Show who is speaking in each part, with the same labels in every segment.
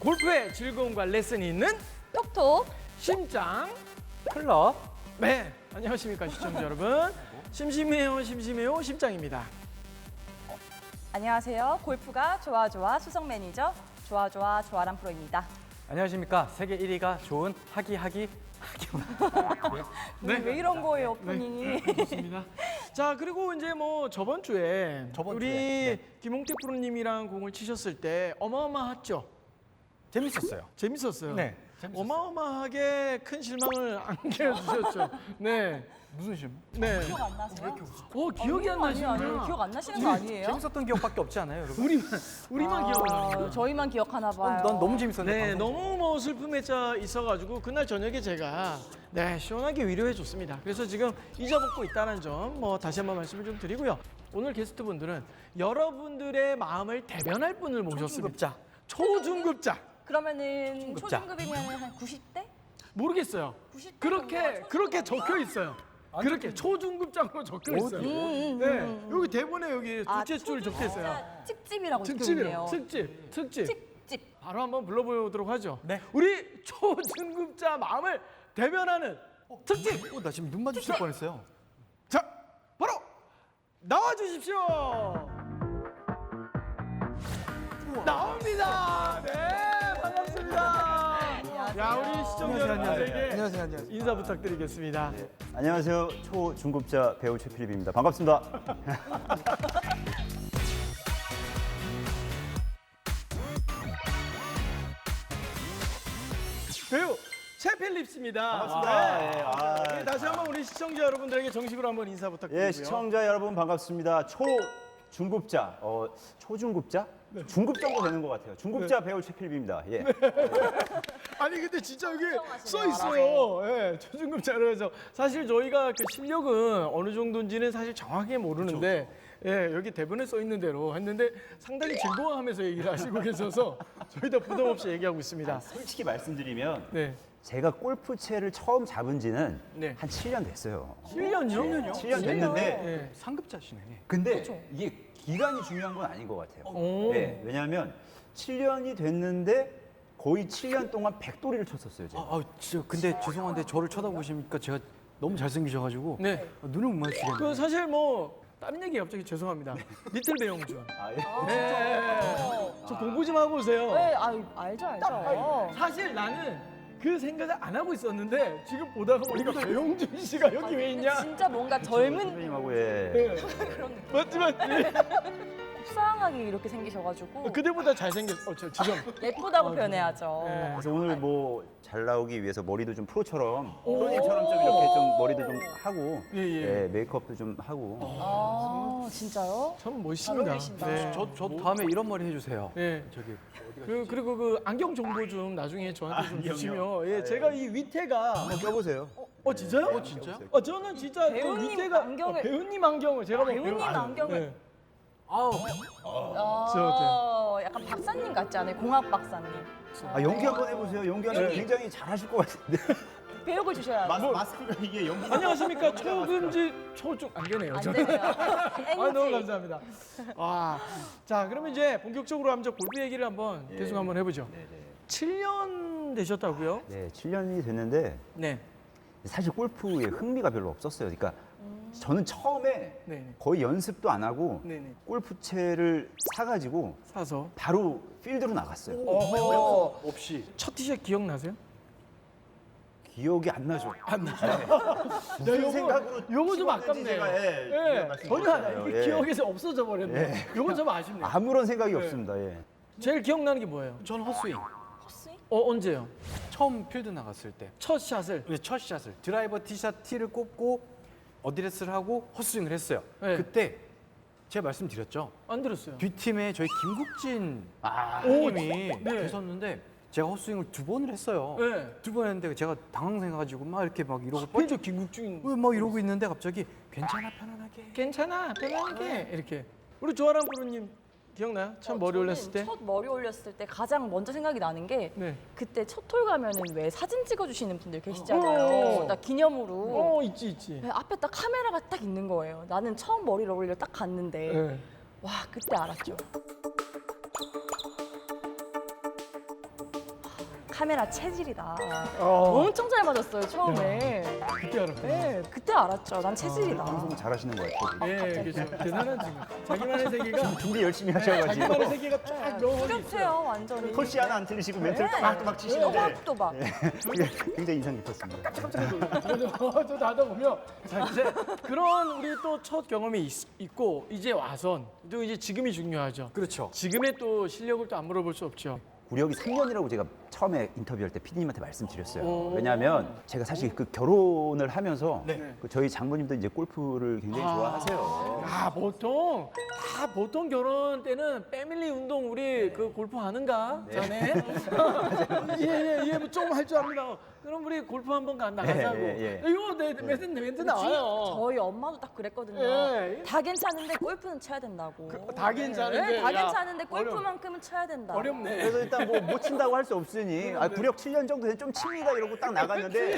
Speaker 1: 골프의 즐거움과 레슨이 있는
Speaker 2: 톡톡
Speaker 1: 심장
Speaker 3: 클럽.
Speaker 1: 네, 안녕하십니까 시청자 여러분. 심심해요 심장입니다.
Speaker 2: 안녕하세요. 골프가 좋아 수석 매니저 좋아란 프로입니다.
Speaker 3: 안녕하십니까. 세계 1위가 좋은 하기.
Speaker 1: 네.
Speaker 2: 왜 이런 거예요, 오프닝이?
Speaker 1: 좋습니다. 자, 그리고 이제 뭐 저번 주에 우리
Speaker 3: 네.
Speaker 1: 김홍태 프로님이랑 공을 치셨을 때 어마어마했죠.
Speaker 3: 재밌었어요.
Speaker 1: 재밌었어요.
Speaker 3: 네, 재밌었어요.
Speaker 1: 어마어마하게 큰 실망을 안겨주셨죠. 네.
Speaker 3: 무슨 실망?
Speaker 1: 네.
Speaker 2: 기억 안 나세요?
Speaker 1: 기억이 안 나시는구나.
Speaker 2: 기억 안 나시는 거 아니에요?
Speaker 3: 재밌었던 기억밖에 없지 않아요, 여러분?
Speaker 1: 우리만 기억나요.
Speaker 2: 저희만 기억하나 봐요.
Speaker 3: 난 너무 재밌었는데.
Speaker 1: 네,
Speaker 3: 방송.
Speaker 1: 너무 뭐 슬픔에 짜 있어가지고 그날 저녁에 제가 시원하게 위로해 줬습니다. 그래서 지금 잊어먹고 있다는 점 뭐 다시 한번 말씀을 좀 드리고요. 오늘 게스트분들은 여러분들의 마음을 대변할 분을 모셨습니다. 초중급자.
Speaker 2: 그러면은
Speaker 3: 초중급자.
Speaker 2: 초중급이면 한 90대?
Speaker 1: 모르겠어요.
Speaker 2: 90대
Speaker 1: 그렇게 적혀 있어요. 그렇게 초중급자로 적혀 있어요. 네, 여기 대본에 여기 둘째 줄 적혀 있어요.
Speaker 2: 특집이라고
Speaker 1: 특집이요.
Speaker 2: 적혀있네요.
Speaker 1: 특집.
Speaker 2: 특집.
Speaker 1: 바로 한번 불러보도록 하죠.
Speaker 3: 네.
Speaker 1: 우리 초중급자 마음을 대변하는 특집.
Speaker 3: 나 지금 눈 마주칠 뻔했어요.
Speaker 1: 자, 바로 나와 주십시오. 나옵니다. 네, 반갑습니다. 야, 우리 시청자 여러분들에게
Speaker 3: 안녕하세요.
Speaker 1: 인사 부탁드리겠습니다.
Speaker 4: 안녕하세요. 초중급자 배우 최필립입니다. 반갑습니다.
Speaker 1: 배우 최필립스입니다.
Speaker 4: 반갑습니다.
Speaker 1: 네.
Speaker 4: 예, 아,
Speaker 1: 네, 다시 한번 우리 시청자 여러분들에게 정식으로 한번 인사 부탁드리고요.
Speaker 4: 예, 시청자 여러분 반갑습니다. 초중급자, 초중급자? 중급 정도 되는 것 같아요. 중급자 배우 최필립입니다. 예.
Speaker 1: 아니 근데 진짜 여기 써 있어요. 예, 초중급자로 해서 사실 저희가 그 실력은 어느 정도인지는 사실 정확하게 모르는데 예, 여기 대본에 써 있는 대로 했는데 상당히 즐거워하면서 얘기를 하시고 계셔서 저희도 부담 없이 얘기하고 있습니다.
Speaker 4: 솔직히 말씀드리면
Speaker 1: 네.
Speaker 4: 제가 골프채를 처음 잡은 지는
Speaker 1: 네.
Speaker 4: 한 7년 됐어요.
Speaker 1: 7년요?
Speaker 4: 7년 됐는데
Speaker 1: 예.
Speaker 3: 상급자시네.
Speaker 4: 근데 이게 기간이 중요한 건 아닌 것 같아요.
Speaker 1: 오.
Speaker 4: 네, 왜냐하면 7년이 됐는데 거의 7년 동안 백돌이를 쳤었어요. 제가.
Speaker 3: 진짜 근데 죄송한데 저를 쳐다보시니까 제가 너무 잘생기셔가지고
Speaker 1: 네.
Speaker 3: 눈을 못 마주치겠네요.
Speaker 1: 그 사실 뭐 다른 얘기 갑자기 죄송합니다. 리틀 배용준.
Speaker 4: 아, 예.
Speaker 1: 네. 저 공부 좀 하고 오세요.
Speaker 2: 네, 알죠.
Speaker 1: 사실 나는 그 생각을 안 하고 있었는데 지금 보다가 보니까 배용준 씨가 여기 왜 있냐?
Speaker 2: 진짜 뭔가 젊은
Speaker 4: 선배님하고 예.
Speaker 1: 네. 맞지.
Speaker 2: 속상하게 이렇게 생기셔가지고
Speaker 1: 그대보다 잘생겼어. 죄송.
Speaker 2: 예쁘다고 표현해야죠.
Speaker 1: 네.
Speaker 4: 그래서 오늘 뭐 잘 나오기 위해서 머리도 좀 프로님처럼 좀 이렇게 좀 머리도 좀 하고
Speaker 1: 예.
Speaker 4: 메이크업도 좀 하고
Speaker 2: 아, 진짜요?
Speaker 1: 참 멋있습니다.
Speaker 2: 잘 어울리신다.
Speaker 1: 네.
Speaker 3: 저 다음에 이런 머리 해주세요.
Speaker 1: 네.
Speaker 3: 저기
Speaker 1: 그리고 그 안경 정보 좀 나중에 저한테 좀 주시면 예, 제가 이 위태가
Speaker 4: 한번 껴보세요.
Speaker 1: 진짜요?
Speaker 3: 진짜요?
Speaker 1: 저는 진짜 그
Speaker 2: 배우님
Speaker 1: 위태가
Speaker 2: 안경을-
Speaker 1: 배우님 안경을 제가 뭐
Speaker 2: 배우님 안경을-
Speaker 1: 네.
Speaker 3: 아우
Speaker 2: 약간 박사님 같지 않아요? 공학 박사님.
Speaker 4: 연기 한번 해보세요. 연기하면
Speaker 1: 네.
Speaker 4: 굉장히 잘하실 것 같은데.
Speaker 2: 배역을 주셔야 돼요.
Speaker 4: 마스크가 이게 연기.
Speaker 1: 안녕하십니까 초금지 초중 안 되네요.
Speaker 2: 안
Speaker 1: 저는.
Speaker 2: 되네요.
Speaker 1: 아, 너무 감사합니다. 자 그러면 이제 본격적으로 한번 골프 얘기를 한번 계속 한번 해보죠. 7년 되셨다고요?
Speaker 4: 네, 7년이 됐는데
Speaker 1: 네.
Speaker 4: 사실 골프에 흥미가 별로 없었어요. 그러니까 저는 처음에
Speaker 1: 네.
Speaker 4: 거의 연습도 안 하고
Speaker 1: 네네.
Speaker 4: 골프채를 사가지고
Speaker 1: 사서.
Speaker 4: 바로 필드로 나갔어요.
Speaker 1: 어허.
Speaker 3: 없이
Speaker 1: 첫 티샷 기억나세요?
Speaker 4: 기억이 안 나죠.
Speaker 1: 안 나요.
Speaker 4: 무슨 생각으로
Speaker 1: 요거 좀
Speaker 4: 치웠는지
Speaker 1: 아깝네요.
Speaker 4: 제가,
Speaker 1: 예, 전혀 안 나요. 이게
Speaker 4: 예.
Speaker 1: 기억에서 없어져 버렸네. 요거 좀 아쉽네요.
Speaker 4: 아무런 생각이 없습니다. 예.
Speaker 1: 제일 기억나는 게 뭐예요?
Speaker 3: 전 헛스윙.
Speaker 2: 헛스윙?
Speaker 1: 언제요?
Speaker 3: 처음 필드 나갔을 때.
Speaker 1: 첫 샷을.
Speaker 3: 첫 샷을 드라이버 티샷 티를 꼽고 어드레스를 하고 헛스윙을 했어요.
Speaker 1: 네.
Speaker 3: 그때 제가 말씀드렸죠.
Speaker 1: 안 들었어요.
Speaker 3: 뒷팀에 저희 김국진
Speaker 1: 오,
Speaker 3: 님이
Speaker 1: 네.
Speaker 3: 계셨는데 제가 헛스윙을 2번을 했어요.
Speaker 1: 네.
Speaker 3: 2번 했는데 제가 당황해가지고 막 이렇게 막 이러고
Speaker 1: 펜저 김국중.
Speaker 3: 막 이러고 있는데 갑자기 괜찮아 편안하게.
Speaker 1: 괜찮아, 편안하게 이렇게. 우리 조아람 프로님 기억나요? 처음 머리
Speaker 2: 저는
Speaker 1: 올렸을 때?
Speaker 2: 첫 머리 올렸을 때 가장 먼저 생각이 나는 게
Speaker 1: 네.
Speaker 2: 그때 첫 홀 가면은 왜 사진 찍어주시는 분들 계시잖아요. 나 기념으로.
Speaker 1: 있지.
Speaker 2: 네, 앞에 딱 카메라가 딱 있는 거예요. 나는 처음 머리를 올리러 딱 갔는데
Speaker 1: 네.
Speaker 2: 와 그때 알았죠. 카메라 체질이다.
Speaker 1: 어.
Speaker 2: 엄청 잘 맞았어요 처음에.
Speaker 1: 그때 알았구나.
Speaker 2: 네, 그때 알았죠. 난 체질이다.
Speaker 4: 방송 잘하시는 것 같아요.
Speaker 1: 예, 그렇죠. 대단한 친구. 자기만의 세계가
Speaker 4: 준비 열심히 하셔가지고
Speaker 1: 자기만의 세계가 쫙 명확히 있어요.
Speaker 2: 뚜렷해요 완전히.
Speaker 4: 콜씨 하나 안 틀리시고 멘트를 또박또박 치시는데
Speaker 2: 또박.
Speaker 4: 굉장히 인상 깊었습니다.
Speaker 1: 저도 하다 보면 자 이제 그런 우리 또 첫 경험이 있고 이제 와선 또 이제 지금이 중요하죠.
Speaker 3: 그렇죠.
Speaker 1: 지금의 또 실력을 또 안 물어볼 수 없죠.
Speaker 4: 구력이 3년이라고 제가 처음에 인터뷰할 때 PD님한테 말씀드렸어요.
Speaker 1: 오.
Speaker 4: 왜냐하면 제가 사실 그 결혼을 하면서
Speaker 1: 네.
Speaker 4: 그 저희 장모님도 이제 골프를 굉장히 좋아하세요.
Speaker 1: 아 보통 결혼 때는 패밀리 운동 우리 그 골프 하는가 자네? 예예예 뭐 좀 할 줄 압니다. 그럼 우리 골프 한번 나가자고.
Speaker 4: 예.
Speaker 1: 이거 내 멘트 나와요.
Speaker 2: 저희 엄마도 딱 그랬거든요.
Speaker 1: 예.
Speaker 2: 다 괜찮은데 골프는 쳐야 된다고.
Speaker 1: 다 괜찮은데,
Speaker 2: 네, 다
Speaker 1: 야,
Speaker 2: 괜찮은데 골프만큼은 쳐야 된다.
Speaker 1: 어렵네.
Speaker 4: 그래서 일단 뭐 못 친다고 할 수 없으니 구력 7년 정도 된 좀 칩니다 이러고 딱 나갔는데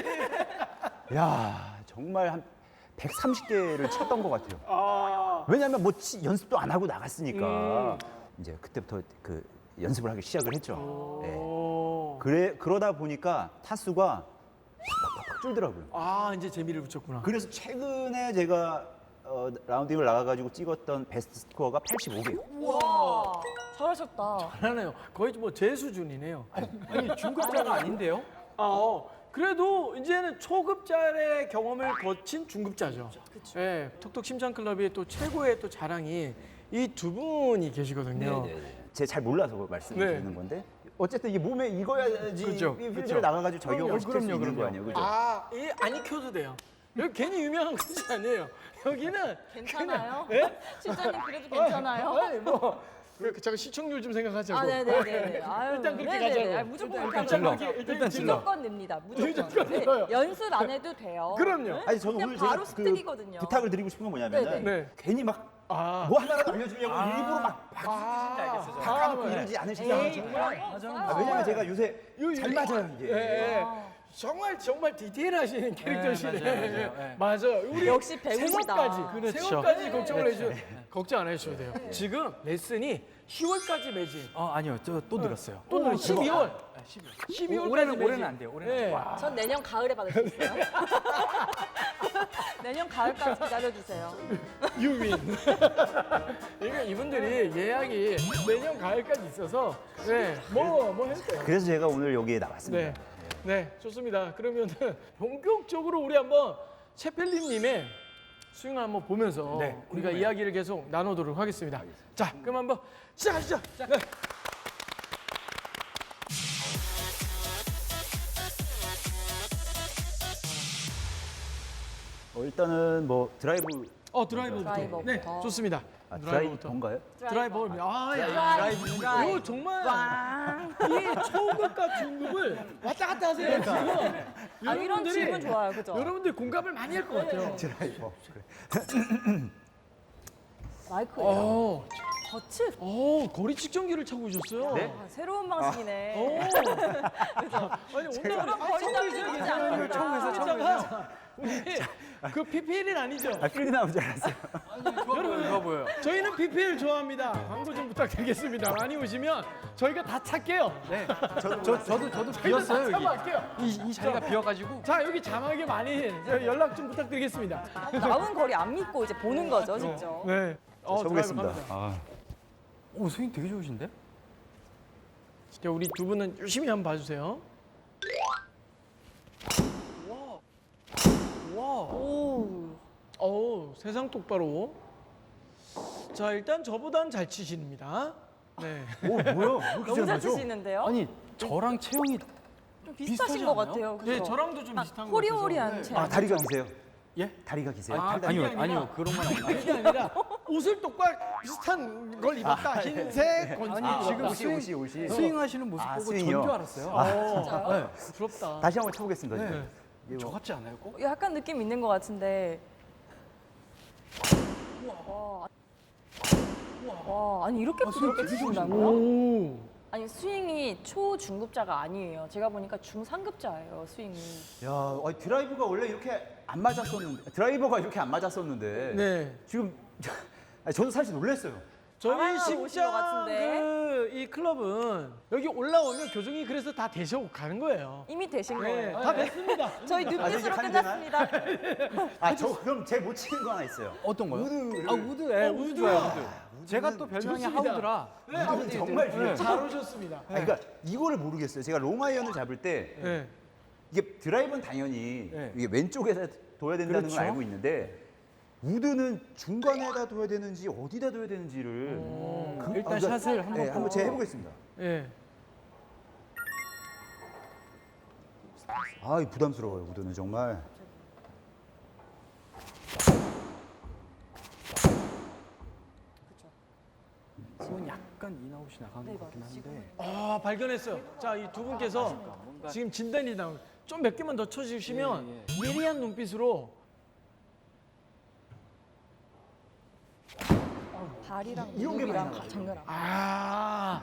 Speaker 4: 야 정말 한 130개를 쳤던 것 같아요.
Speaker 1: 아.
Speaker 4: 왜냐하면 뭐 연습도 안 하고 나갔으니까 이제 그때부터 그 연습을 하기 시작을 했죠. 네.
Speaker 1: 오.
Speaker 4: 그러다 보니까 타수가 팍팍팍 줄더라고요.
Speaker 1: 아 이제 재미를 붙였구나.
Speaker 4: 그래서 최근에 제가 라운딩을 나가가지고 찍었던 베스트 스코어가 85개예요.
Speaker 2: 와, 잘하셨다.
Speaker 1: 잘하네요. 거의 뭐 제 수준이네요.
Speaker 3: 아니 중급자가 아닌데요?
Speaker 1: 그래도 이제는 초급자의 경험을 거친 중급자죠. 그렇죠. 예, 톡톡 심장클럽의 또 최고의 또 자랑이 이 두 분이 계시거든요.
Speaker 4: 제가 잘 몰라서 말씀을
Speaker 1: 네.
Speaker 4: 드리는 건데 어쨌든 이게 몸에 익어야지
Speaker 1: 그죠,
Speaker 4: 이 필드를
Speaker 1: 그죠.
Speaker 4: 나가가지고 저희가
Speaker 1: 그럼요,
Speaker 4: 훨씬 수 있는
Speaker 1: 그럼요.
Speaker 4: 거 아니에요, 그죠?
Speaker 1: 안 익혀도 돼요. 여기 괜히 유명한 곳이 아니에요. 여기는
Speaker 2: 괜찮아요?
Speaker 1: 예?
Speaker 2: 실장님 그래도 괜찮아요?
Speaker 1: 아니 뭐 잠깐 시청률 좀 생각하자고.
Speaker 2: 아, 네네네. 아유,
Speaker 1: 일단 그렇게
Speaker 2: 네네네.
Speaker 1: 가자고.
Speaker 2: 아, 무조건
Speaker 1: 일단
Speaker 2: 그렇게
Speaker 1: 질러.
Speaker 2: 하죠.
Speaker 1: 일단 질러.
Speaker 2: 무조건 냅니다. 무조건.
Speaker 1: 무조건
Speaker 2: 네,
Speaker 1: 넣어요.
Speaker 2: 연습 안 해도 돼요.
Speaker 1: 그럼요.
Speaker 4: 아니 저는
Speaker 2: 그냥
Speaker 4: 오늘
Speaker 2: 바로
Speaker 4: 제가
Speaker 2: 습득이거든요.
Speaker 4: 부탁을 드리고 싶은 건 뭐냐면
Speaker 2: 네네.
Speaker 1: 네.
Speaker 4: 괜히 막 뭐
Speaker 1: 아.
Speaker 4: 하나라도 알려주려고 일부러 막 까놓고 이러지 않으시죠?
Speaker 2: 에이,
Speaker 1: 정말.
Speaker 4: 왜냐면 제가 요새 잘 맞아요 이게.
Speaker 1: 예. 정말 디테일하신 캐릭터시네.
Speaker 3: 맞아요.
Speaker 1: 맞아요. 우리
Speaker 2: 역시 배우시다.
Speaker 1: 세월까지, 세월까지 걱정을 해주셔. 걱정 안 해주셔도 돼요. 지금 레슨이 10월까지 매진.
Speaker 3: 아니요, 저 또 늘었어요.
Speaker 1: 또 12월. 12월까지 매진.
Speaker 3: 올해는 안 돼요. 올해는 안 돼요.
Speaker 2: 전 내년 가을에 받을 수 있어요. 내년 가을까지 기다려주세요.
Speaker 1: 유민. 그러니까 이분들이 예약이 내년 가을까지 있어서 뭐 해도 돼요.
Speaker 4: 그래서 제가 오늘 여기에 나왔습니다.
Speaker 1: 네, 좋습니다. 그러면은 본격적으로 우리 한번 채펠린님의 스윙을 한번 보면서 우리가 이야기를 계속 나누도록 하겠습니다. 자, 그럼 한번 시작하시죠. 네.
Speaker 4: 일단은 뭐 드라이브
Speaker 1: 드라이버부터.
Speaker 2: 드라이버부터.
Speaker 1: 네, 좋습니다. 드라이버부터.
Speaker 4: 드라이버인가요?
Speaker 1: 드라이버.
Speaker 2: 드라이브.
Speaker 1: 이거 정말 이 초급과 중급을 왔다 갔다 하세요. 지금.
Speaker 2: 아, 이런
Speaker 1: 여러분들이-
Speaker 2: 질문 좋아요, 그죠?
Speaker 1: 여러분들 공감을 많이 할 것 같아요.
Speaker 4: 드라이버.
Speaker 2: 마이크예요. 거칠.
Speaker 1: 거리 측정기를 차고 오셨어요.
Speaker 4: 네?
Speaker 2: 아, 새로운 방식이네.
Speaker 1: 아니 오늘
Speaker 2: 거리감이 있지 않는다.
Speaker 1: 처음에서 우리 그 PPL은 아니죠?
Speaker 4: 필드 나온 줄 알았어요.
Speaker 3: 좋아 보여요.
Speaker 1: 저희는 PPL 좋아합니다. 광고 좀 부탁드리겠습니다. 많이 오시면 저희가 다 찾게요.
Speaker 3: 네. 저도 비었어요 여기.
Speaker 1: 참아할게요.
Speaker 3: 이 자리가 비어가지고.
Speaker 1: 자 여기 자막에 많이 연락 좀 부탁드리겠습니다.
Speaker 2: 나온 거리 안 믿고 이제 보는 거죠, 직접.
Speaker 1: 네.
Speaker 4: 쳐보겠습니다.
Speaker 1: 드라이브 갑니다.
Speaker 3: 오 스윙 되게 좋으신데?
Speaker 1: 자, 우리 두 분은 열심히 한번 봐주세요. 오, 세상 똑바로. 자, 일단 저보단 잘 치십니다. 네.
Speaker 4: 오 뭐야?
Speaker 2: 너무 잘 치시는데요?
Speaker 3: 아니 저랑 체형이
Speaker 2: 좀 비슷하신
Speaker 3: 비슷하지
Speaker 2: 것
Speaker 3: 않아요?
Speaker 2: 같아요. 그죠?
Speaker 1: 네, 저랑도 좀 비슷한 것 같아서.
Speaker 2: 호리호리한 체형.
Speaker 4: 다리가 기세요?
Speaker 3: 예?
Speaker 4: 다리가 기세요?
Speaker 3: 아니요 그런 건 아니에요.
Speaker 1: 그게 아니라 옷을 똑같이 비슷한 걸 입었다. 흰색, 건지.
Speaker 3: 아니 지금
Speaker 4: 옷이.
Speaker 3: 스윙하시는 모습
Speaker 4: 아,
Speaker 3: 보고
Speaker 4: 스윙이요?
Speaker 3: 전 줄 알았어요.
Speaker 2: 진짜요?
Speaker 1: 부럽다.
Speaker 4: 다시 한번 쳐보겠습니다.
Speaker 3: 네.
Speaker 4: 이거.
Speaker 3: 저 같지 않아요? 꼭?
Speaker 2: 약간 느낌 있는 것 같은데. 와, 아니 이렇게 부드럽게 치신다고요?
Speaker 1: 오.
Speaker 2: 아니 스윙이 초중급자가 아니에요. 제가 보니까 중상급자예요, 스윙이.
Speaker 4: 야, 드라이브가 원래 이렇게 안 맞았었는데 드라이버가 이렇게 안 맞았었는데
Speaker 1: 네.
Speaker 4: 지금 저도 사실 놀랐어요.
Speaker 1: 저희
Speaker 2: 자랑하러 오신 것
Speaker 1: 심장
Speaker 2: 같은데.
Speaker 1: 이 클럽은 여기 올라오면 교정이 그래서 다 되셔 가는 거예요.
Speaker 2: 이미 되신
Speaker 1: 네,
Speaker 2: 거예요.
Speaker 1: 다 됐습니다.
Speaker 2: 저희
Speaker 4: 아직
Speaker 2: 눈빛으로
Speaker 4: 한
Speaker 2: 끝났습니다.
Speaker 4: 아, 저 그럼 제일 못 치는 거 하나 있어요.
Speaker 3: 어떤 거요?
Speaker 4: 우드.
Speaker 3: 아 우드, 예, 우드 좋아요. 우드. 제가 또 별명이
Speaker 1: 좋습니다.
Speaker 3: 하우드라.
Speaker 4: 우드는 정말 중요해요.
Speaker 1: 잘 오셨습니다.
Speaker 4: 아, 그러니까 이거를 모르겠어요. 제가 롱아이언을 잡을 때
Speaker 1: 네.
Speaker 4: 이게 드라이브는 당연히
Speaker 3: 네.
Speaker 4: 이게 왼쪽에다 둬야 된다는
Speaker 3: 그렇죠.
Speaker 4: 걸 알고 있는데 우드는 중간에다 둬야 되는지 어디다 둬야 되는지를
Speaker 3: 일단 샷을 한번
Speaker 4: 네, 한번 제가 해보겠습니다.
Speaker 1: 예.
Speaker 4: 아, 부담스러워요. 우드는 정말.
Speaker 3: 지금 약간 인아웃이 나가는 것 같긴 한데.
Speaker 1: 아, 발견했어요. 자, 이 두 분께서 지금 진단이 나온 좀 몇 개만 더 쳐주시면 예리한 눈빛으로
Speaker 2: 발이랑
Speaker 4: 이런 게 많이
Speaker 2: 무릎이랑
Speaker 4: 나가죠.
Speaker 2: 장난하고.
Speaker 1: 아.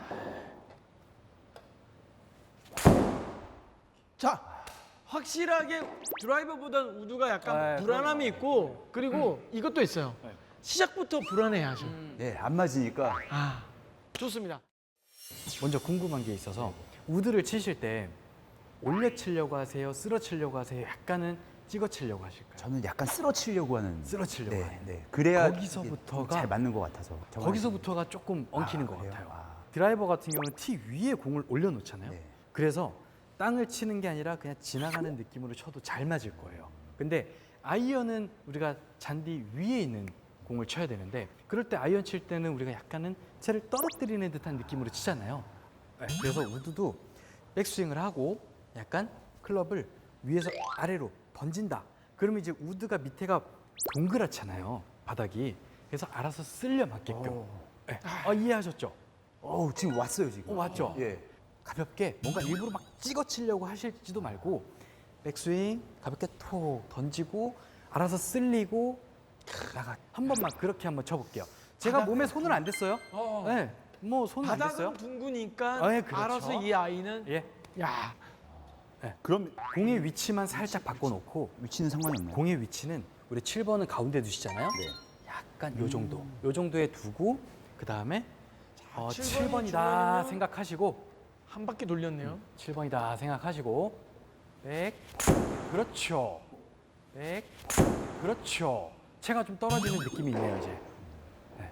Speaker 1: 자, 확실하게 드라이버보다는 우드가 약간
Speaker 3: 네,
Speaker 1: 불안함이 있고 그리고 이것도 있어요.
Speaker 3: 네.
Speaker 1: 시작부터 불안해하죠.
Speaker 4: 네, 안 맞으니까.
Speaker 1: 아, 좋습니다.
Speaker 3: 먼저 궁금한 게 있어서 우드를 치실 때 올려 치려고 하세요? 쓸어 치려고 하세요? 약간은 찍어 치려고 하실까요?
Speaker 4: 저는 약간 쓰러치려고 하는.
Speaker 3: 쓰러치려고
Speaker 4: 네,
Speaker 3: 하는.
Speaker 4: 네. 그래야
Speaker 3: 거기서부터가
Speaker 4: 이게 잘 맞는 것 같아서. 정말.
Speaker 3: 거기서부터가 조금 엉키는 것
Speaker 4: 그래요?
Speaker 3: 같아요.
Speaker 4: 아.
Speaker 3: 드라이버 같은 경우는 티 위에 공을 올려놓잖아요.
Speaker 4: 네.
Speaker 3: 그래서 땅을 치는 게 아니라 그냥 지나가는 느낌으로 쳐도 잘 맞을 거예요. 근데 아이언은 우리가 잔디 위에 있는 공을 쳐야 되는데 그럴 때 아이언 칠 때는 우리가 약간은 채를 떨어뜨리는 듯한 느낌으로 치잖아요. 네, 그래서 우드도 백스윙을 하고 약간 클럽을 위에서 아래로 던진다. 그러면 이제 우드가 밑에가 동그랗잖아요. 바닥이. 그래서 알아서 쓸려 맞게끔. 네. 이해하셨죠?
Speaker 4: 지금 왔어요, 지금.
Speaker 3: 왔죠?
Speaker 4: 예.
Speaker 3: 가볍게 뭔가 일부러 막 찍어 치려고 하실지도 말고 백스윙 가볍게 톡 던지고 알아서 쓸리고 나가 한 번만 그렇게 한번 쳐볼게요. 제가 몸에 손을 안 댔어요. 네, 뭐 손을 안 댔어요.
Speaker 1: 바닥은 둥그니까
Speaker 3: 아, 예, 그렇죠.
Speaker 1: 알아서 이 아이는
Speaker 3: 예,
Speaker 1: 야,
Speaker 4: 그럼
Speaker 3: 공의 위치만 살짝 바꿔놓고
Speaker 4: 위치는 상관이 없나요?
Speaker 3: 공의 위치는 우리 7번은 가운데 두시잖아요.
Speaker 4: 네.
Speaker 3: 약간 요 정도, 요 정도에 두고 그 다음에
Speaker 1: 7번이
Speaker 3: 7번이다
Speaker 1: 주변이면-
Speaker 3: 생각하시고
Speaker 1: 한 바퀴 돌렸네요.
Speaker 3: 7번이다 생각하시고 백 그렇죠 백 그렇죠 채가 좀 떨어지는 느낌이 있네요 이제 네.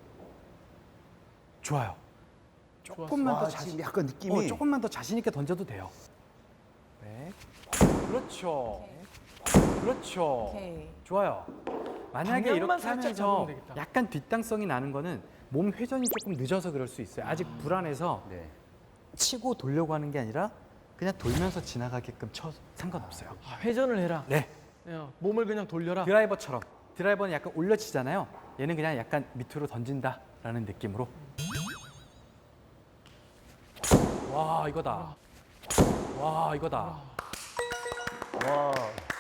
Speaker 3: 좋아요 조금만
Speaker 4: 와,
Speaker 3: 더 자신
Speaker 4: 지금 약간 느낌이
Speaker 3: 조금만 더 자신 있게 던져도 돼요 백 그렇죠 그렇죠
Speaker 2: 오케이.
Speaker 3: 좋아요 만약에
Speaker 1: 방향만
Speaker 3: 이렇게
Speaker 1: 살짝
Speaker 3: 하면서
Speaker 1: 잡으면 되겠다.
Speaker 3: 약간 뒷땅성이 나는 거는 몸 회전이 조금 늦어서 그럴 수 있어요 아직 불안해서
Speaker 4: 네.
Speaker 3: 치고 돌려고 하는 게 아니라 그냥 돌면서 지나가게끔 쳐도 상관없어요.
Speaker 1: 아, 회전을 해라.
Speaker 3: 네.
Speaker 1: 몸을 그냥 돌려라.
Speaker 3: 드라이버처럼. 드라이버는 약간 올려치잖아요. 얘는 그냥 약간 밑으로 던진다라는 느낌으로. 와 이거다. 와 이거다.
Speaker 4: 와,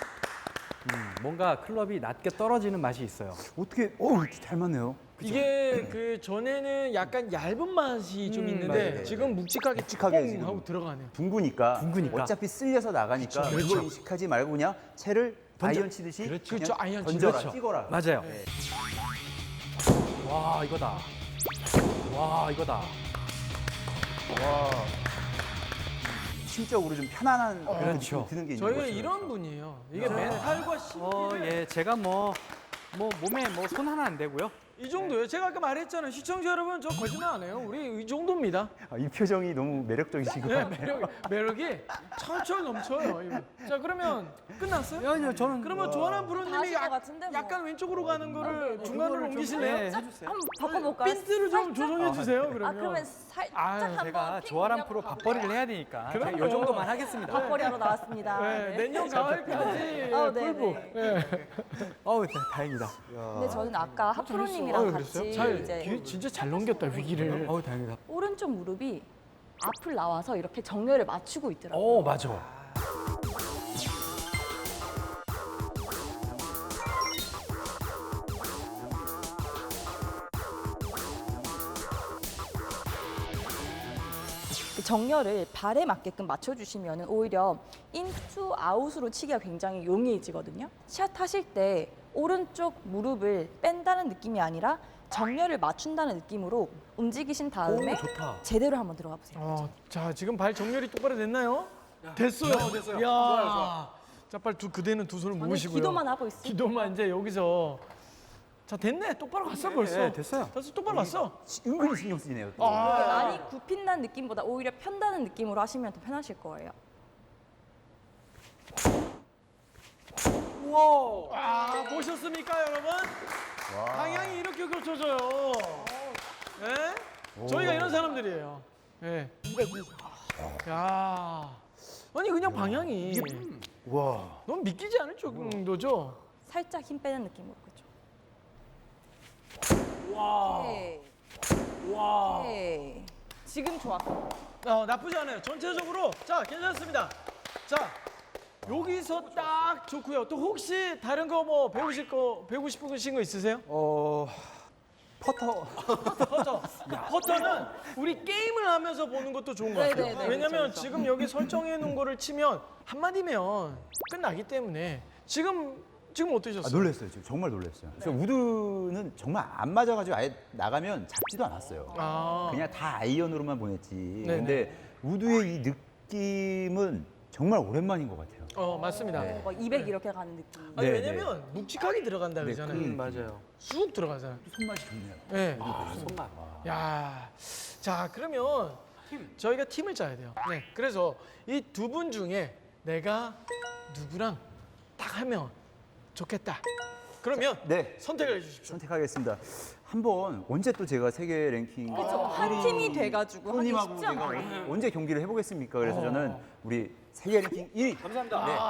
Speaker 3: 뭔가 클럽이 낮게 떨어지는 맛이 있어요.
Speaker 4: 어떻게, 잘 맞네요.
Speaker 1: 이게 그 전에는 약간 얇은 맛이 좀 있는데
Speaker 4: 맞아요.
Speaker 1: 지금 묵직하게
Speaker 4: 묵직하게
Speaker 1: 뽕
Speaker 4: 지금.
Speaker 1: 하고 들어가네요.
Speaker 4: 둥구니까,
Speaker 3: 둥그니까.
Speaker 4: 어차피 쓸려서 나가니까
Speaker 1: 그쵸,
Speaker 4: 그걸
Speaker 1: 그쵸.
Speaker 4: 인식하지 말고 그냥 채를
Speaker 3: 던져.
Speaker 4: 아이언 치듯이
Speaker 3: 그렇죠.
Speaker 4: 그냥
Speaker 1: 그렇죠, 아이언
Speaker 4: 던져라,
Speaker 3: 그렇죠.
Speaker 4: 찍어라.
Speaker 3: 맞아요.
Speaker 4: 네.
Speaker 3: 와 이거다. 와 이거다.
Speaker 4: 와, 심적으로 좀 편안한 그런
Speaker 3: 그렇죠.
Speaker 4: 느낌이 드는 게 있는
Speaker 1: 저희가
Speaker 4: 거죠.
Speaker 1: 이런 분이에요. 이게 멘탈과 심리를
Speaker 3: 예 제가 뭐 몸에 뭐 손 하나 안 대고요.
Speaker 1: 이 정도예요. 제가 아까 말했잖아요. 시청자 여러분, 저 거짓말 안 해요. 우리 이 정도입니다.
Speaker 4: 이 표정이 너무 매력적이시고.
Speaker 1: 네, 매력이 철철 넘쳐요. 이거. 자, 그러면 끝났어요?
Speaker 3: 아니요 저는
Speaker 1: 그러면 조아람
Speaker 2: 다
Speaker 1: 프로님이
Speaker 2: 하실 것 같은데 뭐.
Speaker 1: 약간 왼쪽으로 가는 거를
Speaker 2: 네.
Speaker 1: 중간으로 옮기실래요?
Speaker 3: 네, 해주세요.
Speaker 2: 한번 바꿔볼까요?
Speaker 1: 핀트를 좀 조정해 주세요. 그러면.
Speaker 2: 아 그러면 살짝
Speaker 1: 아유,
Speaker 2: 한번
Speaker 3: 제가
Speaker 2: 핑
Speaker 3: 조아람
Speaker 2: 그냥
Speaker 3: 프로
Speaker 2: 가볼까요?
Speaker 3: 밥벌이를 해야 되니까
Speaker 1: 그럼요.
Speaker 3: 제가 요 정도만 하겠습니다.
Speaker 2: 밥벌이 하러 나왔습니다.
Speaker 1: 네,
Speaker 2: 네.
Speaker 1: 내년 가을까지
Speaker 2: 아, 네,
Speaker 1: 풀고.
Speaker 2: 네.
Speaker 1: 네.
Speaker 3: 어우 다행이다.
Speaker 2: 근데 저는 아까 하프로님이랑 같이 이제
Speaker 1: 진짜 잘 넘겼다 위기를.
Speaker 3: 어우 다행이다.
Speaker 2: 오른쪽 무릎이 앞을 나와서 이렇게 정렬을 맞추고 있더라고요.
Speaker 3: 맞아.
Speaker 2: 그 정렬을 발에 맞게끔 맞춰주시면 오히려 인투 아웃으로 치기가 굉장히 용이해지거든요. 샷 하실 때 오른쪽 무릎을 뺀다는 느낌이 아니라 정렬을 맞춘다는 느낌으로 움직이신 다음에
Speaker 3: 좋다.
Speaker 2: 제대로 한번 들어가 보세요.
Speaker 1: 자, 지금 발 정렬이 똑바로 됐나요? 됐어요.
Speaker 3: 됐어요.
Speaker 1: 야.
Speaker 3: 좋아요.
Speaker 1: 자, 빨리 그대는 두 손을
Speaker 2: 저는
Speaker 1: 모으시고요.
Speaker 2: 기도만 하고 있어요.
Speaker 1: 기도만 이제 여기서. 자, 됐네. 똑바로 갔어 벌써.
Speaker 3: 네, 됐어요.
Speaker 1: 벌써 똑바로 갔어.
Speaker 4: 은근히 신경 쓰이네요. 또.
Speaker 2: 많이 굽힌다는 느낌보다 오히려 편다는 느낌으로 하시면 더 편하실 거예요.
Speaker 1: 아, 보셨습니까, 여러분? 방향이 이렇게 고쳐져요. 예? 저희가 이런 사람들이에요. 예. 야. 아니 그냥 방향이
Speaker 4: 와.
Speaker 1: 너무 믿기지 않을 정도죠?
Speaker 2: 살짝 힘 빼는 느낌으로 그렇죠.
Speaker 1: 와.
Speaker 2: 오케이.
Speaker 1: 와.
Speaker 2: 오케이. 지금 좋았어.
Speaker 1: 나쁘지 않아요. 전체적으로 자 괜찮습니다. 자 여기서 딱 좋고요. 또 혹시 다른 거 뭐 배우고 싶으신 거 있으세요?
Speaker 4: 퍼터.
Speaker 1: 퍼터는 우리 게임을 하면서 보는 것도 좋은 것 같아요.
Speaker 2: 네네네,
Speaker 1: 왜냐면
Speaker 2: 그쵸.
Speaker 1: 지금 여기 설정해 놓은 거를 치면 한마디면 끝나기 때문에 지금 어떠셨어요?
Speaker 4: 놀랐어요. 지금 정말 놀랐어요. 그래서 우드는 정말 안 맞아가지고 아예 나가면 잡지도 않았어요.
Speaker 1: 아.
Speaker 4: 그냥 다 아이언으로만 보냈지.
Speaker 1: 네네.
Speaker 4: 근데 우드의 이 느낌은 정말 오랜만인 것 같아요.
Speaker 1: 맞습니다.
Speaker 4: 네.
Speaker 2: 막 200 이렇게 가는 느낌.
Speaker 1: 아니
Speaker 4: 네,
Speaker 1: 왜냐면 묵직하게 들어간다
Speaker 4: 네,
Speaker 1: 그러잖아요.
Speaker 3: 맞아요.
Speaker 1: 쑥 들어가잖아요.
Speaker 4: 손맛이 좋네요.
Speaker 1: 네.
Speaker 3: 손맛.
Speaker 1: 야, 자 그러면 저희가 팀을 짜야 돼요. 네. 그래서 이 두 분 중에 내가 누구랑 딱 하면 좋겠다. 그러면
Speaker 4: 네.
Speaker 1: 선택을 해주십시오.
Speaker 4: 선택하겠습니다. 한번 언제 또 제가 세계 랭킹
Speaker 2: 그렇죠. 한 팀이 돼가지고 하기
Speaker 4: 프로님하고
Speaker 2: 쉽지
Speaker 4: 제가
Speaker 2: 않아요.
Speaker 4: 언제 경기를 해보겠습니까? 그래서 저는 우리 세계 랭킹 1위.
Speaker 3: 감사합니다.
Speaker 4: 네.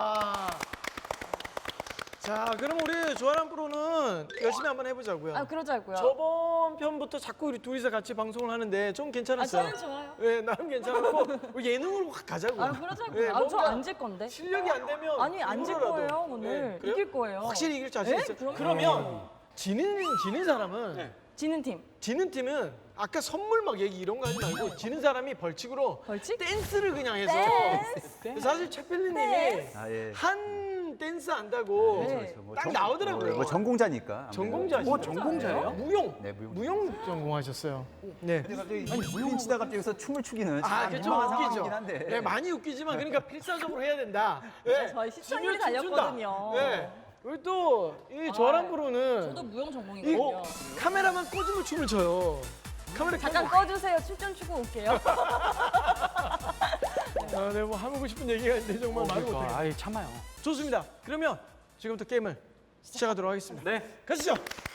Speaker 1: 자, 그럼 우리 조아람 프로는 열심히 한번 해보자고요.
Speaker 2: 아 그러자고요.
Speaker 1: 저번 편부터 자꾸 우리 둘이서 같이 방송을 하는데 좀 괜찮았어요.
Speaker 2: 저는 좋아요.
Speaker 1: 네, 나름 괜찮았고 우리 예능으로 확 가자고.
Speaker 2: 아 그러자고요.
Speaker 1: 네,
Speaker 2: 아, 저
Speaker 1: 뭔가
Speaker 2: 안 질 건데.
Speaker 1: 실력이 안 되면
Speaker 2: 아니 안 질
Speaker 1: 이거라도.
Speaker 2: 거예요 오늘.
Speaker 1: 네, 그래요?
Speaker 2: 이길 거예요.
Speaker 1: 확실히 이길 자신
Speaker 2: 네?
Speaker 1: 있어요.
Speaker 2: 그럼요.
Speaker 1: 그러면 지는 사람은
Speaker 2: 지는 팀.
Speaker 1: 지는 팀은 아까 선물 막 얘기 이런 거 하지 말고 지는 사람이 벌칙으로
Speaker 2: 벌칙?
Speaker 1: 댄스를 그냥 해서 사실 최필리님이
Speaker 4: 아, 예.
Speaker 1: 한 댄스 안다고
Speaker 2: 네.
Speaker 1: 딱 나오더라고요.
Speaker 4: 뭐 전공자니까.
Speaker 1: 전공자시죠?
Speaker 3: 전공자예요?
Speaker 1: 무용.
Speaker 4: 네, 무용.
Speaker 1: 무용 전공하셨어요. 네.
Speaker 4: 근데 갑자기 무용 치다 갑자기 여기서 춤을 추기는 참
Speaker 1: 그좀
Speaker 4: 민망한
Speaker 1: 웃기죠.
Speaker 4: 상황이긴 한데.
Speaker 1: 네, 많이 웃기지만 그러니까 필사적으로 해야 된다. 네.
Speaker 2: 저희 시청률이
Speaker 1: 지면 춤춘다.
Speaker 2: 달렸거든요.
Speaker 1: 네. 우리 또이 조아람 프로는
Speaker 2: 저도 무용
Speaker 1: 이
Speaker 2: 전공이거든요.
Speaker 1: 카메라만 꽂으면 춤을 춰요. 카메라
Speaker 2: 잠깐 꺼주세요. 춤 좀 추고 올게요.
Speaker 1: 네, 뭐 하고 싶은 얘기가 있는데 정말 말을 못해요.
Speaker 3: 그러니까 아예 참아요.
Speaker 1: 좋습니다. 그러면 지금부터 게임을 시작하도록 하겠습니다.
Speaker 3: 네.
Speaker 1: 가시죠.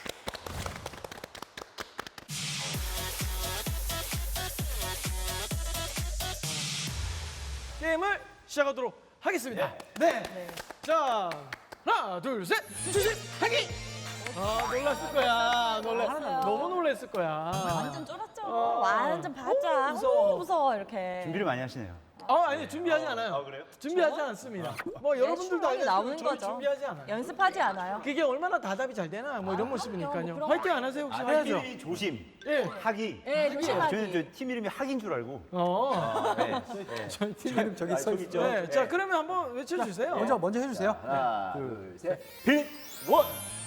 Speaker 1: 게임을 시작하도록 하겠습니다. 네. 자, 하나, 둘, 셋, 주식하기. 놀랐을 거야.
Speaker 2: 놀랐어요.
Speaker 1: 너무 놀랐을 거야.
Speaker 2: 완전 쫄았죠. 완전 바짝.
Speaker 1: 무서워.
Speaker 2: 무서워 이렇게.
Speaker 4: 준비를 많이 하시네요.
Speaker 1: 아니 준비하지 않아요. 그래요? 준비하지 않습니다. 뭐 여러분들도
Speaker 2: 충분히
Speaker 1: 알겠지만
Speaker 2: 나오는
Speaker 1: 저희
Speaker 2: 거죠.
Speaker 1: 준비하지 않아요.
Speaker 2: 연습하지 않아요.
Speaker 1: 그게 얼마나 다답이 잘 되나 뭐 이런 모습이니까요.
Speaker 2: 뭐 그런
Speaker 1: 화이팅 안 하세요 혹시? 해야죠.
Speaker 4: 팀 조심.
Speaker 1: 예.
Speaker 4: 학이.
Speaker 2: 네, 조심하기.
Speaker 4: 저는 저 팀 이름이 학인 줄 알고.
Speaker 1: 네.
Speaker 3: 저희 팀 이름 저기 써 있죠.
Speaker 1: 네. 자 그러면 한번 외쳐주세요.
Speaker 3: 먼저 해주세요.
Speaker 4: 하나, 둘, 셋. 빌 원.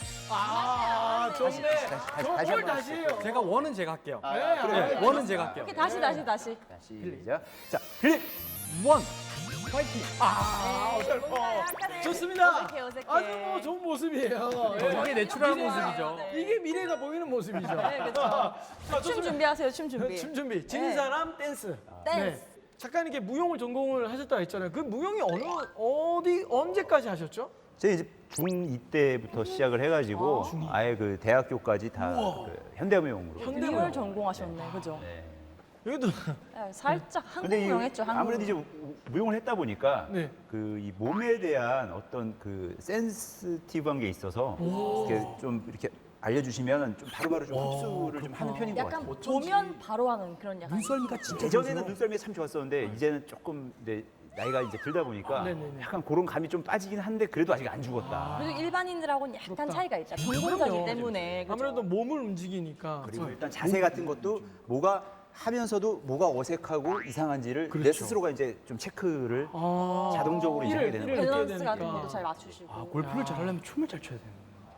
Speaker 1: 좋네. 저걸 다시 해요.
Speaker 3: 제가 원은 제가 할게요.
Speaker 1: 네.
Speaker 3: 네, 원은 제가 할게요.
Speaker 2: 오케이, 다시.
Speaker 4: 시작. 자, 빌 원. 파이팅.
Speaker 2: 약간의
Speaker 1: 좋습니다.
Speaker 2: 어색해.
Speaker 1: 아주 뭐 좋은 모습이에요.
Speaker 3: 이게 내추럴한 모습이죠.
Speaker 1: 이게 미래가 보이는 모습이죠.
Speaker 2: 네, 그렇죠.
Speaker 1: 자,
Speaker 2: 춤
Speaker 1: 좋습니다.
Speaker 2: 준비하세요. 춤 준비.
Speaker 1: 춤 준비. 지는
Speaker 2: 네.
Speaker 1: 사람 댄스.
Speaker 2: 댄스.
Speaker 1: 잠깐 이렇게 무용을 전공을 하셨다 했잖아요. 그 무용이 언제까지 하셨죠?
Speaker 4: 제가 이제 중2 때부터 시작을 해가지고 아예 그 대학교까지 다 그 현대무용으로.
Speaker 2: 무용을 전공하셨네. 그죠?
Speaker 1: 여기도
Speaker 2: 네, 살짝
Speaker 4: 근데
Speaker 2: 한국무용 했죠.
Speaker 4: 아무래도 이제 무용을 했다 보니까
Speaker 1: 네.
Speaker 4: 그 이 몸에 대한 어떤 그 센스티브한 게 있어서 이렇게 좀 이렇게 알려주시면 좀 바로바로 좀 흡수를 좀 하는 편인 것
Speaker 2: 약간
Speaker 4: 같아요.
Speaker 2: 보면 바로 하는 그런 약간
Speaker 3: 눈썰미가 진짜
Speaker 4: 예전에는 눈썰미 참 좋았었는데 이제는 조금 이제 나이가 이제 들다 보니까
Speaker 1: 네네네.
Speaker 4: 약간 그런 감이 좀 빠지긴 한데 그래도 아직 안 죽었다.
Speaker 2: 그리고 일반인들하고는 약간 차이가 있다. 전공자기
Speaker 1: 그럼요.
Speaker 2: 때문에. 그죠?
Speaker 1: 아무래도 몸을 움직이니까.
Speaker 4: 그리고 일단 자세 같은 것도 뭐가 하면서도 뭐가 어색하고 이상한지를 내 스스로가 이제 좀 체크를 자동적으로 이제 하게 되는 거예요.
Speaker 1: 느껴야
Speaker 2: 밸런스 같은
Speaker 1: 되니까.
Speaker 2: 것도 잘 맞추시고.
Speaker 3: 골프를 잘하려면 춤을 잘 춰야 되는 거예요.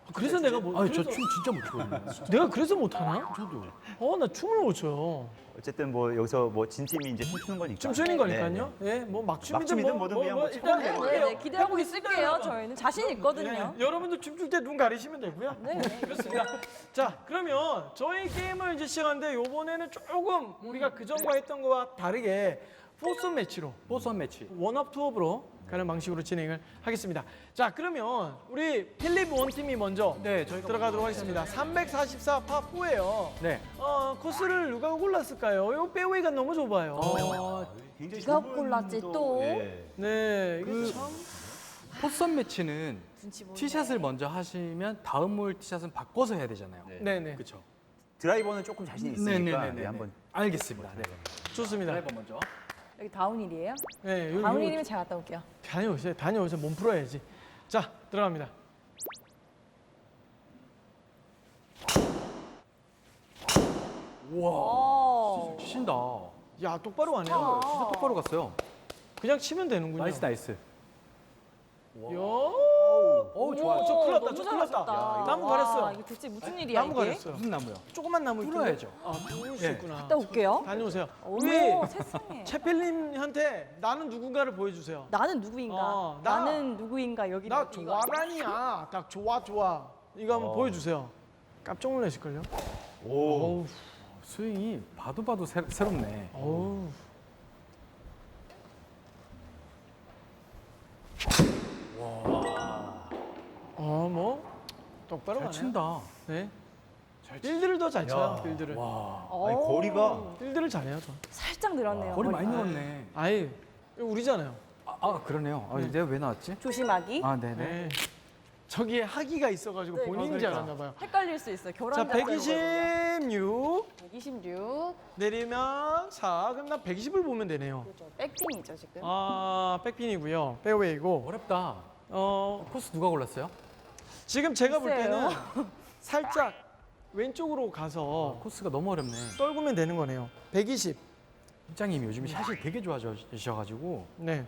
Speaker 1: 그래서 내가 뭐
Speaker 3: 저 춤 진짜 못 추거든요.
Speaker 1: 내가 그래서 못하나?
Speaker 3: 저도.
Speaker 1: 나 춤을 못 춰요.
Speaker 4: 어쨌든 뭐 여기서 뭐 진 팀이 이제 춤추는 거니까.
Speaker 1: 춤추는
Speaker 4: 네,
Speaker 1: 거니까요. 예, 뭐 막춤이든
Speaker 4: 막춤이든 뭐든 그냥 뭐
Speaker 1: 일단
Speaker 4: 춰보면
Speaker 1: 해볼게요.
Speaker 2: 네, 기대하고 있을게요. 저희는 자신 있거든요.
Speaker 1: 예, 여러분도 춤출 때 눈 가리시면 되고요.
Speaker 2: 네.
Speaker 1: 그렇습니다. 자, 그러면 저희 게임을 이제 시작하는데 이번에는 조금 우리가 그전과 했던 거와 다르게 포선 매치로
Speaker 3: 포선 매치.
Speaker 1: 원업 투업으로 가는 방식으로 진행을 하겠습니다. 자, 그러면 우리 필립 원팀이 먼저
Speaker 3: 네, 저희가
Speaker 1: 들어가도록 하겠습니다. 344 파4예요.
Speaker 3: 네.
Speaker 1: 코스를 누가 골랐을까요? 이 페어웨이가 너무 좁아요.
Speaker 4: 굉장히
Speaker 2: 네가
Speaker 4: 좁은
Speaker 2: 골랐지, 또.
Speaker 4: 예.
Speaker 1: 네, 이게
Speaker 3: 그-
Speaker 1: 참
Speaker 3: 포선 매치는
Speaker 2: 눈치 보이네.
Speaker 3: 티샷을 먼저 하시면 다음 홀 티샷은 바꿔서 해야 되잖아요.
Speaker 4: 네.
Speaker 1: 네네.
Speaker 3: 그렇죠.
Speaker 4: 드라이버는 조금 자신 있으니까
Speaker 3: 네네네.
Speaker 4: 네, 한번
Speaker 3: 알겠습니다. 네.
Speaker 1: 좋습니다.
Speaker 3: 드라이버 먼저.
Speaker 2: 여기 다운힐이에요?
Speaker 1: 네, 요
Speaker 2: 다운힐이면 제가 갔다 올게요.
Speaker 1: 다녀오세요. 몸 풀어야지. 자, 들어갑니다.
Speaker 3: 우와.
Speaker 2: 오.
Speaker 3: 치신다.
Speaker 1: 야, 똑바로 가네요.
Speaker 2: 아.
Speaker 3: 진짜 똑바로 갔어요.
Speaker 1: 그냥 치면 되는군요.
Speaker 3: 나이스 나이스.
Speaker 1: 요.
Speaker 3: 오 좋아요.
Speaker 1: 저 큰일 났다,
Speaker 2: 너무
Speaker 1: 저 큰일 났다.
Speaker 2: 잘하셨다.
Speaker 1: 나무
Speaker 2: 와,
Speaker 1: 가렸어요.
Speaker 2: 이거 대체 무슨 일이야
Speaker 1: 나무
Speaker 2: 이게?
Speaker 1: 가렸어요.
Speaker 3: 무슨 나무요?
Speaker 1: 조금만 나무 있긴
Speaker 3: 풀어야죠.
Speaker 1: 해. 아, 풀을 수
Speaker 3: 예.
Speaker 1: 있구나.
Speaker 2: 갔다 올게요.
Speaker 1: 다녀오세요.
Speaker 2: 어머,
Speaker 1: 우리
Speaker 2: 세상에.
Speaker 1: 채필님한테 나는 누군가를 보여주세요.
Speaker 2: 나는 누구인가?
Speaker 1: 나-
Speaker 2: 나는 누구인가? 여기
Speaker 1: 나
Speaker 2: 이거 아니야?
Speaker 1: 좋아라니야. 딱 좋아. 이거 한번 보여주세요. 깜짝 놀라실걸요?
Speaker 4: 오.
Speaker 1: 어우,
Speaker 3: 스윙이 봐도 새롭네.
Speaker 1: 어우. 뭐 똑바로
Speaker 3: 잘
Speaker 1: 가네요.
Speaker 3: 친다.
Speaker 1: 네. 빌드를 더 잘 쳐요. 빌드를.
Speaker 3: 와.
Speaker 4: 아니
Speaker 2: 오,
Speaker 4: 거리가
Speaker 1: 빌드를 잘해요, 저.
Speaker 2: 살짝 늘었네요.
Speaker 3: 거리
Speaker 2: 머리.
Speaker 3: 많이 늘었네.
Speaker 1: 아예 이거 우리잖아요.
Speaker 3: 그러네요. 내가 왜 나왔지?
Speaker 2: 조심하기.
Speaker 3: 아 네네.
Speaker 1: 네. 저기에 하기가 있어가지고
Speaker 2: 네,
Speaker 1: 본인인 줄 알았나 봐요.
Speaker 2: 헷갈릴 수 있어요.
Speaker 1: 자,
Speaker 2: 교란
Speaker 1: 126
Speaker 2: 126.
Speaker 1: 내리면 4. 그럼 나 120을 보면 되네요.
Speaker 2: 그렇죠. 백핀이죠 지금.
Speaker 1: 백핀이고요. 페어웨이고.
Speaker 3: 어렵다. 코스 누가 골랐어요?
Speaker 1: 지금 제가 볼
Speaker 2: 글쎄요.
Speaker 1: 때는 살짝 왼쪽으로 가서
Speaker 3: 코스가 너무 어렵네.
Speaker 1: 떨구면 되는 거네요. 120.
Speaker 3: 팀장님이 요즘 샷이 되게 좋아지셔가지고
Speaker 1: 네.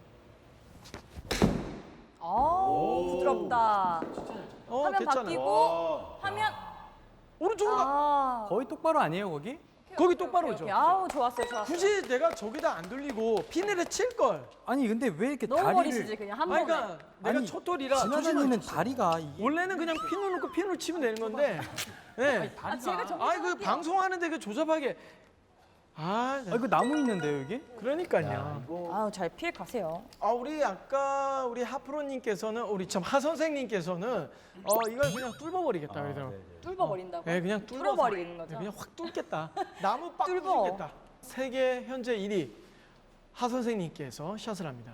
Speaker 2: 부드럽다. 화면
Speaker 1: 괜찮아요.
Speaker 2: 바뀌고 화면.
Speaker 1: 오른쪽으로 가.
Speaker 3: 거의 똑바로 아니에요 거기?
Speaker 1: 거기 똑바로 오죠.
Speaker 2: 오케이. 아우 좋았어요.
Speaker 1: 굳이 내가 저기다 안 돌리고 핀을 칠 걸.
Speaker 3: 아니 근데 왜 이렇게
Speaker 2: 너무
Speaker 3: 다리를
Speaker 2: 버리시지 그냥 한 번에.
Speaker 1: 그러니까 내가
Speaker 3: 아니,
Speaker 1: 초돌이라
Speaker 3: 지나다니는 다리가 이게
Speaker 1: 원래는 그냥 핀을 놓고 핀을 치면 되는 건데. 네.
Speaker 2: 제가 저기
Speaker 1: 그 방송하는데 그 조잡하게.
Speaker 3: 이거 나무 있는데요 여기?
Speaker 1: 그러니까요.
Speaker 2: 아우 잘 피해 가세요.
Speaker 1: 우리 아까 우리 하프로님께서는 우리 참 하 선생님께서는 이걸 그냥 뚫어버리겠다 그러더라고요.
Speaker 2: 뚫어 버린다고.
Speaker 1: 네, 그냥 뚫어서
Speaker 2: 뚫어버리는 거죠.
Speaker 1: 네, 그냥 확 뚫겠다. 나무 빡
Speaker 2: 뚫어.
Speaker 1: 뚫겠다. 세계 현재 1위 하 선생님께서 샷을 합니다.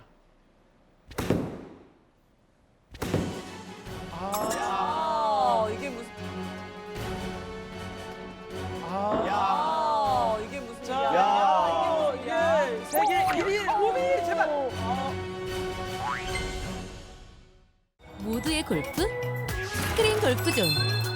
Speaker 2: 이게 무슨? 이게 무슨 일이야?
Speaker 1: 야, 이게 세계 1위 오미 제발.
Speaker 5: 모두의 골프 스크린 골프존